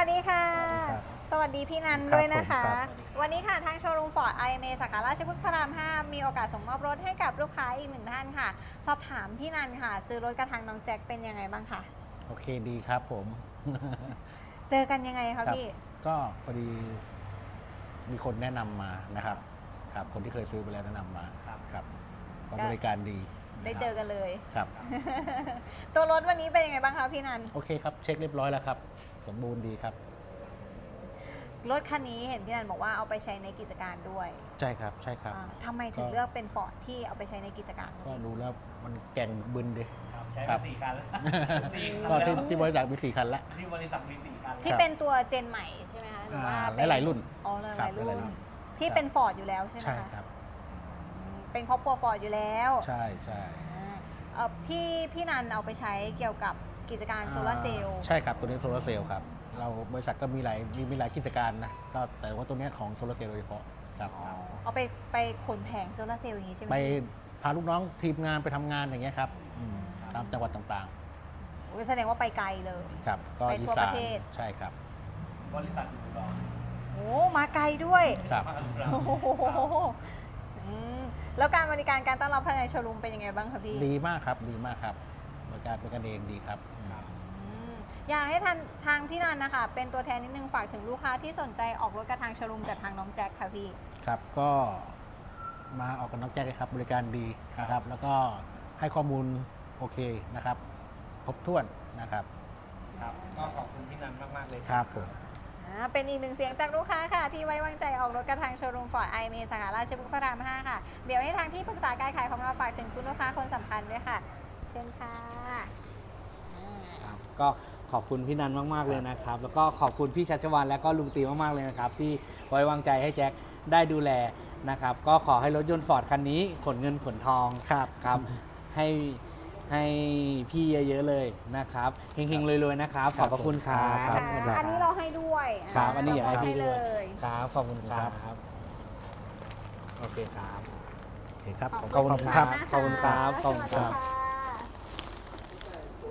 วัสดีค่ะครับสวัสดีพี่นันครับด้วยนะคะผมครับวันนี้ค่ะทางโชว์รูมฟอร์ด IMA สาขาราชพฤกษ์พระราม 5 มีโอกาสส่งมอบรถให้กับลูกค้าอีกหนึ่งท่านค่ะ สอบถามพี่นันค่ะ ซื้อรถกระทางน้องแจ็คเป็นยังไงบ้างคะโอเคดีครับผมเจอกันยังไงคคะรับพี่ก็พอดีมีคนแนะนำมานะครับครับคนที่เคยซื้อไปแล้วแนะนำมาครับก็บริการดีได้เจอกันเลยครับตัวรถวันนี้เป็นยังไงบ้างคะพี่นันโอเคครับเช็คเรียบร้อยแล้วครับ สมบูรณ์ดีครับรถคันนี้เห็นพี่นันบอกว่าเอาไปใช้ในกิจการด้วยใช่ครับใช่ครับทำไมถึงก็เลือกเป็นฟอร์ดที่เอาไปใช้ในกิจการก็ดูแล้วมันแก่งบึนดีครับใช้ครัมาบ 4 คันแล้ว 4 คันก็แล้วที่บริษัทมี4 คันแล้วที่บริษัทมี 4 คันที่ครับเป็นตัวเจนใหม่ใช่ไหมคะหรือว่าเป็นหลายๆรุ่นอ๋อหครัลาบยๆรุ่หลายๆรุ่นนที่เป็นฟอร์ดอยู่แล้วใช่ไหมใช่คะครับเป็นครอบครัวฟอร์ดอยู่แล้วใช่ใช่ที่พี่นันเอาไปใช้เกี่ยวกับกิจการโซลาร์เซลล์ใช่ครับตัวนี้โซลาร์เซลล์ครับเราบริษัทก็มีหลายกิจการนะก็แต่ว่าตัวเนี้ยของโซลาร์เซลล์โดยเฉพาะครับเอาไปขนแผงโซลาร์เซลล์อย่างนี้ใช่ไหมไปพาลูกน้องทีมงานไปทำงานอย่างเงี้ยครับตามจังหวัดต่างโอ้ยแสดงว่าไปไกลเลยๆครับก็ไปอีทั่วสาปนระเทศใช่ครับบริษัทอยู่อุดรโอ้มาไกลด้วยครับมาอุดรโอ้โหแล้วการบริการการต้อนรับภายในโชว์รูมเป็นยังไงบ้างคะพี่ดีมากครับดีมากครับบริการเป็นกันเองดีครับอยากให้ทางพี่นันนะคะเป็นตัวแทนนิดนึงฝากถึงลูกค้าที่สนใจออกรถกระทางโชว์รูมกับทางน้องแจ็คค่ะพี่ครับก็มาออกกับน้องแจ็คเลยครับบริการดีนะครับ แล้วก็ให้ข้อมูลโอเคนะครับครบถ้วนนะครับครับก็ขอบคุณพี่นันมากๆเลยครับผมเป็นอีกหนึ่งเสียงจากลูกค้าค่ะ ที่ไว้วางใจออกรถกระทางโชว์รูมฟอร์ด IMA สาขาราชพฤกษ์พระราม 5 ค่ะ เดี๋ยวให้ทางที่ปรึกษาการขายของเราฝากถึงคุณลูกค้าคนสำคัญด้วยค่ะ เชิญค่ะครับก็ขอบคุณพี่นันมากๆเลยนะครับ แล้วก็ขอบคุณพี่ชัชวานและก็ลุงตีมากๆเลยนะครับ ที่ไว้วางใจให้แจ็คได้ดูแลนะครับ ก็ขอให้รถยนต์ฟอร์ดคันนี้ขนเงินขนทองครับครับให้พี่เยอะๆเลยนะครับเฮงๆรวยๆนะครับ ขอบพระคุณครับครับอันนี้เราให้ด้วยครับอันนี้อยากให้พี่เลด้วยยครับขอบคุณครับโอเคครับโอเคครับขอบคุณครับนะะขอบคุณครับสวัสดีค่ะ